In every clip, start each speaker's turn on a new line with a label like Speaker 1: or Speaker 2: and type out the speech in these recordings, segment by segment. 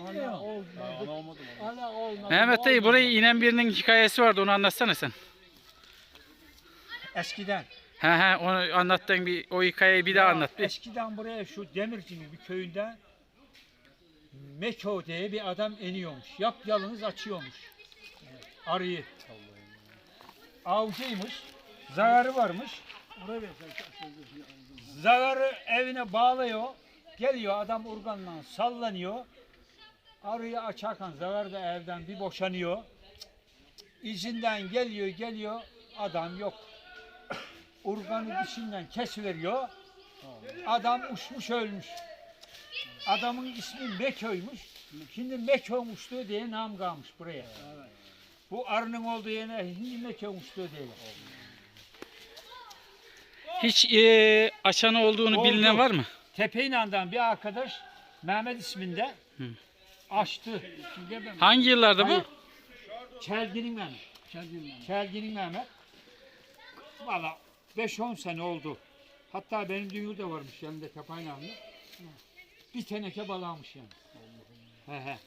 Speaker 1: Ana olmadı. Ana olmadı.
Speaker 2: Mehmet dayı buraya inen birinin hikayesi vardı, onu anlatsana sen.
Speaker 3: Eskiden.
Speaker 2: He onu anlattığın o hikayeyi bir daha anlat bir.
Speaker 3: Eskiden buraya şu Demirci'nin bir köyünde Meko diye bir adam iniyormuş. Yapyalnız açıyormuş. Arıyı. Avcıymış. Zararı varmış. Zararı evine bağlıyor. Geliyor adam urganla sallanıyor. Arıyı açarken zarar da evden bir boşanıyor. İzinden geliyor. Adam yok. Urganı dişinden kesiveriyor. Adam uçmuş ölmüş. Adamın ismi Meko'ymuş. Şimdi Meko uçtuğu diye nam kalmış buraya. Bu arının olduğu yerine şimdi Meko uçtuğu diye.
Speaker 2: Hiç açanı olduğunu
Speaker 3: Oldu.
Speaker 2: bilinen var mı?
Speaker 3: Tepeynan'dan bir arkadaş Mehmet isminde açtı.
Speaker 2: Hangi yıllarda bu?
Speaker 3: Çelginin Mehmet. Çelginin Mehmet. Valla 5-10 sene oldu. Hatta benim düğünü de varmış yanında Tepeynan'da. Bir teneke balağmış yani. He.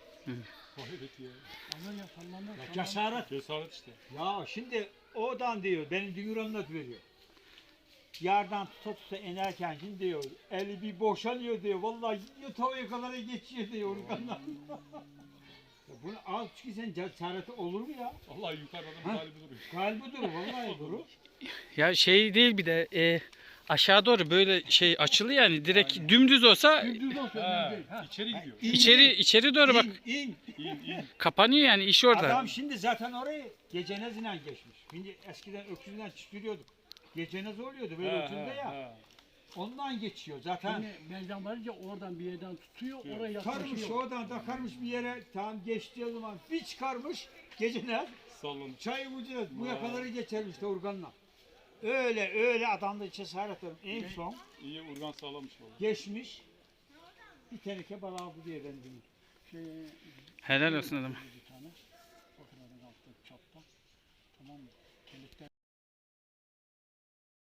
Speaker 3: Cesaret.
Speaker 1: Cesaret işte.
Speaker 3: Ya şimdi oradan diyor, benim düğünümle veriyor. Yardan tuta inerken şimdi diyor, eli bir boşanıyor diyor, vallahi yatağa kadar geçiyor diyor urgandan. Bunu al çünkü sen cesareti olur mu ya?
Speaker 1: Vallahi yukarıda kalbi duruyor.
Speaker 3: Kalbi durur, vallahi durur.
Speaker 2: Ya şey değil bir de aşağı doğru böyle şey açılı yani direkt dümdüz olsa
Speaker 1: İçeri gidiyor.
Speaker 2: içeri doğru bak
Speaker 3: İn.
Speaker 2: kapanıyor yani iş orada.
Speaker 3: Adam şimdi zaten orayı gecenezle geçmiş. Şimdi eskiden öküzden çıkıyorduk. Gecenez oluyordu böyle öküzde ya. Ondan geçiyor zaten.
Speaker 4: Meydan varınca oradan bir yerden tutuyor, oraya
Speaker 3: Takarmış
Speaker 4: yaklaşıyor.
Speaker 3: oradan takarmış bir yere tam geçtiği zaman bir çıkarmış geceler
Speaker 1: Sallanıyor.
Speaker 3: çay ucuna bu yakaları geçermiş de urganla. Öyle adamda cesaret var. En son
Speaker 1: İyi urgan sağlamış vallahi.
Speaker 3: geçmiş bir teneke balığı bu diye ben dedim.
Speaker 2: Helal olsun adama.